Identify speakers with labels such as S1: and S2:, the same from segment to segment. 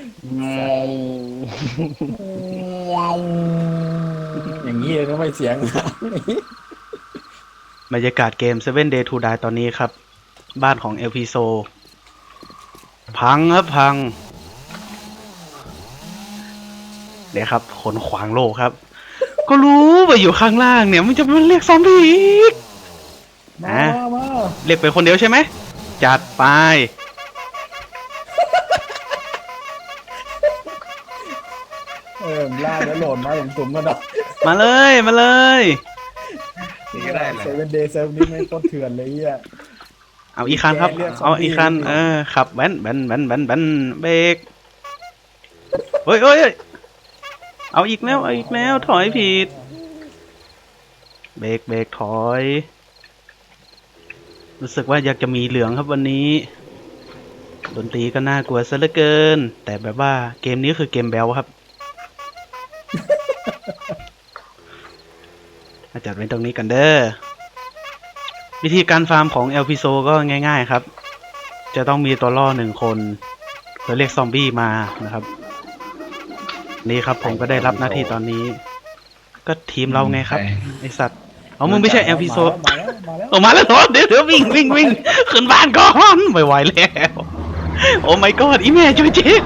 S1: สัตว์อย่างนี้เลยก็ไม่เสียงนะ
S2: บรรยากาศเกม Seven Day to Die ตอนนี้ครับ บ้านของ LP So พังครับพังเดี๋ยวครับขนขวางโลกครับ ก็รู้ว่าอยู่ข้างล่างเนี่ยมันจะมาเรียกซอมบี้อีก
S1: มา
S2: อ่ะ
S1: มา
S2: เรียกไปคนเดียวใช่ไหมจัดไป
S1: ล่าแล้วโหลดมาสุ่มๆกันเนาะ
S2: มาเลยมาเลย
S3: นี่ก็ได้เล
S1: เซ
S3: ย
S1: เว่นเดย์เซิร์ฟนี้ไม่โคตรเถื่อนเลยอ่ะ
S2: เอาอีกคันครับ
S1: แกเรียกซอ
S2: เอา
S1: มบี้
S2: อีกคัน
S1: ไม่ผิด
S2: ขับแว้นแว้นแว้นแว้นแว้นเบรกเฮ้ยเฮ้ยเอาอีกแล้วเอาอีกแล้วถอยผิดเบรกเบรกถอยรู้สึกว่าอยากจะมีเหลืองครับวันนี้ดนตรีก็น่ากลัวซะเหลือเกินแต่แบบว่าเกมนี้คือเกมแบลครับมาจัดไว้ตรงนี้กันเด้อวิธีการฟาร์มของ LP So ก็ง่ายๆครับจะต้องมีตัวล่อ1 คนเพื่อเรียกซอมบี้มานะครับนี่ครับผมก็ได้รับหน้าที่ตอนนี้ก็ทีมเราไงครับไอสัตว์เอามึงไม่ใช่ LP So
S1: มาแล้ว
S2: ออกมาแล้วเหรอเดี๋ยววิ่งวิ่งวิ่งขึ้นบ้านก่อนไม่ไหวแล้วโอ้ my god อีแม่ช่วยเจ๊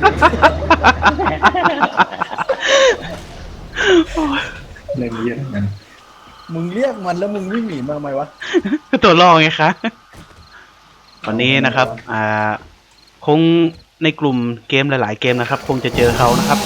S3: เล่นเยอะกัน
S1: มึงเรียกมันแล้วมึงวิ่งหนีมาทำไมวะ
S2: ตัวรองไงคะวันนี้นะครับคงในกลุ่มเกมหลายๆเกมนะครับคงจะเจอเขานะครับ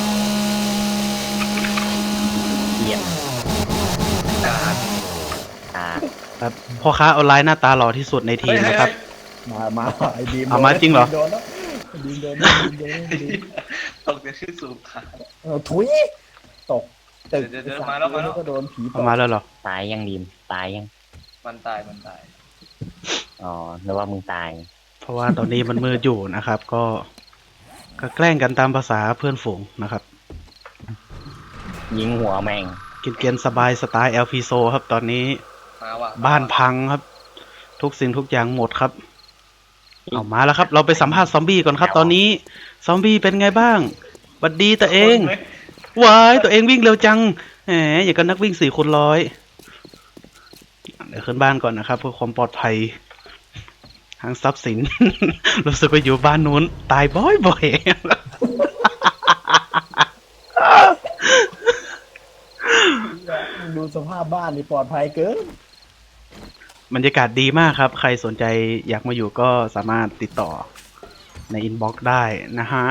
S4: เยี่ยม
S3: การ
S2: ครับพ่อค้าออนไลน์หน้าตาหล่อที่สุดในทีมนะครับ
S1: มาไอ้บีม
S2: เอามาจริงเหรอ
S1: โดนแล้วบีมโดนแล้วบีมโดนแล้วบีม
S3: ตกเนี่ยขึ้นสูงขา
S1: ถุยตกตึก
S3: เดี๋ยวมาแล้ว
S1: ก็โดนผีต
S2: เอา
S1: ก
S2: มาแล้วเหรอ
S4: ตายยังดีมตายยัง
S3: มันตายมันตาย
S4: อ๋อนึกว่ามึงตาย
S2: เพราะว่าตอนนี้มันมืดอยู่นะครับก็แกล้งกันตามภาษาเพื่อนฝูงนะครับ
S4: ยิงหัวแม่ง
S2: กินเกียนสบายสไตล์ LP So ครับตอนนี้
S3: มาว่ะ
S2: บ้านพังครับ ทุกสิ่งทุกอย่างหมดครับเอามาแล้วครับ เราไปสัมภาษณ์ซอมบี้ก่อนครับ ตอนนี้ซอมบี้เป็นไงบ้างหวัดดีตัวเองวายตัวเองวิ่งเร็วจังแหมอย่างกับนักวิ่ง4x100เดี๋ยวขึ้นบ้านก่อนนะครับเพื่อความปลอดภัยทางทรัพย์สิน รู้สึกว่าอยู่บ้านนู้นตายบ่อย
S1: ดูสภาพบ้านนี่ปลอดภัยเกิน
S2: ๆบรรยากาศดีมากครับ ใครสนใจอยากมาอยู่ก็สามารถติดต่อในอินบ็อกซ์ได้นะฮะ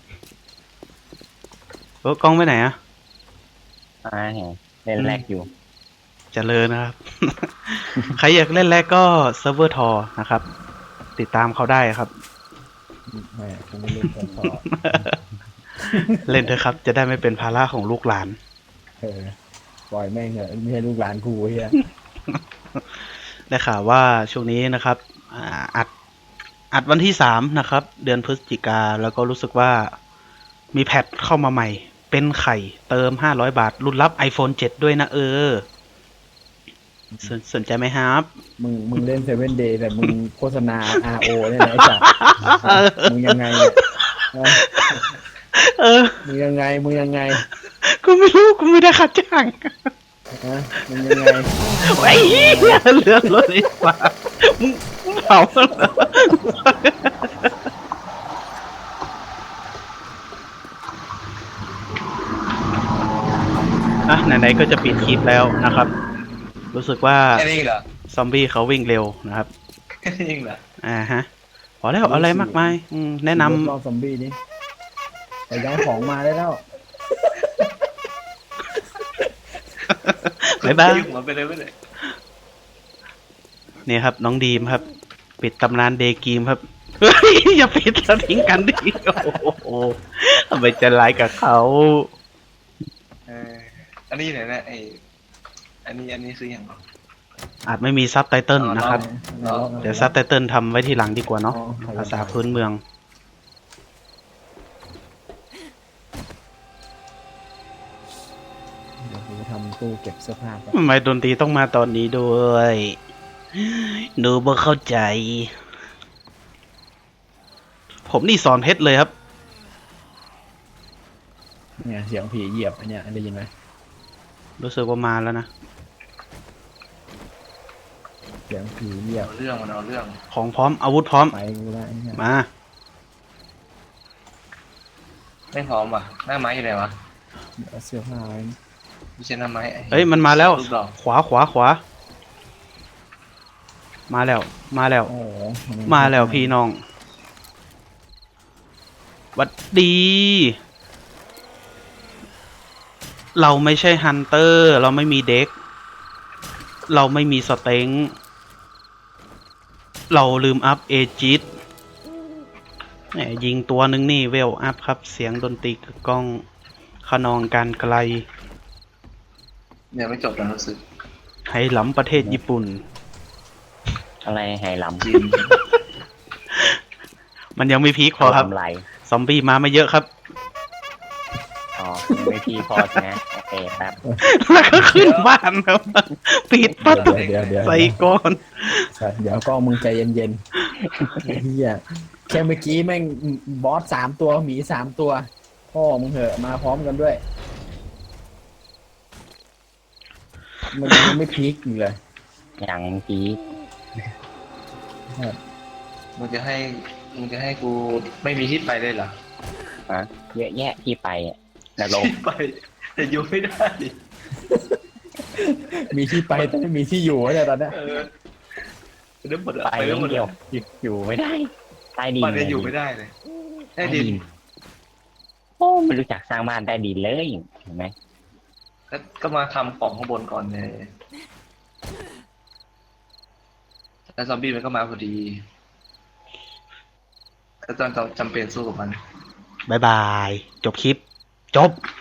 S2: กล้องไปไหนอะ
S4: เห็นเล่นแรกอยู่
S2: เจริญนะครับ ใครอยากเล่นแรกก็เซิร์ฟเวอร์ทอนะครับ ติดตามเขาได้ครับ
S1: แหมคงไม่เล่นกันต่อ
S2: เล่นเถอะครับ จะได้ไม่เป็นภาระของลูกหลาน
S1: ปล่อยแม่งเถอะไม่ใช่ลูกหลานกูเฮีย
S2: ได้ข่าวว่าช่วงนี้นะครับอัดวันที่3นะครับ เดือนพฤศจิกาแล้วก็รู้สึกว่ามีแพทเข้ามาใหม่ เป็นไข่เติม500 บาท รุ่นรับ iPhone 7 ด้วยนะสนใจไหมครับ
S1: มึงเล่นเซเว่นเดย์แต่มึงโฆษณา RO เนี่ยนะไอ้สัสมึงยังไงเนี่ย
S2: เออ
S1: มึงยังไง
S2: กูไม่รู้กูไม่ได้ค่าจ้าง
S1: มึงยังไง
S2: ไอ้เหี้ยเลือดรถไอ้ฟ้ามึงเผาเหรอไหนๆก็จะปิดคลิปแล้วนะครับ รู้สึกว่า
S3: แค่นี้เหรอ
S2: ซอมบี้เขาวิ่งเร็วนะครับ
S3: แค่นี้เหรอ
S2: ฮะพอแล้วเอาอะไรมากมายแนะน
S1: รอบซอมบี้นี่ไปย้ายของมาได้แล้ว
S2: ำบ๊ายบาย
S3: หัวไปเลยไม่เลย
S2: นี่ครับ น้องดีมครับ ปิดตำนานเดย์กีมครับเฮ้ยอย่าปิดแล้วทิ้งกันดิโอ้โหทำไมใจะร้ายกับเขา
S3: อันนี้ไหนนะอันนี้คืออย่างไร
S2: อาจไม่มีซับไตเติลนะครับ
S3: อ๋อ
S2: เดี๋ยวซับไตเติลทำไว้ทีหลังดีกว่าเนาะภาษาพื้นเมือง
S1: เดี๋ยวกูทำตู้เก็บเสื้อผ้าก่อน
S2: ทำไมดนตรีต้องมาตอนนี้ด้วยหนูบ่เข้าใจ ผมนี่สอนเพชรเลยครับ
S1: เนี่ยเสียงผีเหยียบอันเนี้ยได้ยินไหม
S2: รู้สึกว่ามาแล้วนะ
S1: เสียงผีเหยียบ
S3: เอาเรื่องมันเอาเรื่อง
S2: ของพร้อมอาวุธพร้อม
S1: ไปกูละไอ้เนี่ย
S2: มา
S3: ไม่พร้อมว่ะหน้าไม้อยู่ไหนวะ
S1: เอาเสื้อผ้าไว้
S3: ไม่ใช่หน้าไม้
S2: เฮ้ยมันมาแล้ว
S3: ลูกดอก
S2: ขวาขวาขวา มาแล้ว มาแล้ว
S1: โอ้โห
S2: มาแล้วพี่น้องหวัดดี เราไม่ใช่ฮันเตอร์ เราไม่มีเด็ก เราไม่มีสเต็งเราลืมอัพเอจิตแหมยิงตัวนึงนี่เวลอัพครับ เสียงดนตรีกึกก้องขนองการไกล
S3: เนี่ยไม่จบแล้วรู้สึก
S2: ไหหลำประเทศญี่ปุ่น
S4: อะไรไหหลำ
S3: จีน
S2: มันยังไม่พีคพอครับ
S4: ทำไร
S2: ซอมบี้มาไม่เยอะครับ
S4: อ๋อไม่พี่พอใช่ไหมโอเคครับ
S2: แล้วก็ขึ้นบ้านครับปิดประตู
S1: เดี๋ยว
S2: ใส่ก่อน
S1: เดี๋ยวก็มึงใจเย็นๆไอ้เฮียแค่เมื่อกี้แม่งบอส3 ตัวหมี3 ตัวพ่อมึงเหอะมาพร้อมกันด้วยมันยังไม่พีคอยู่เลย
S4: อย่างพี
S3: มึงจะให้กูไม่มีที่ไปเลยเหรอ
S4: ฮะเยอะแยะที่ไปอะนรก
S3: ที่ไปแต่อยู่ไม่ได้
S1: มีที่ไปแต่ไม่มีที่อยู่เนี่ยตอนเนี้ย
S3: เออเรื่องหมดอะ
S4: ไป
S3: ไป
S4: เรื่
S3: เรื่
S4: อ
S3: อง งหมด
S4: เดียว
S3: อะ
S4: อยู่ไม่ได้ใต้ดิน
S3: บ้านก็อยู่ไม่ได้เลยใต้ดิน
S4: โอ้ไม่รู้จักสร้างบ้านใต้ดินเลยเห็นไหม
S3: ก็มาทำของข้างบนก่อนเลยแล้วซอมบี้มันก็มาพอดีก็ต้องจำเป็นสู้กับมัน
S2: บายบาย จบคลิป จบ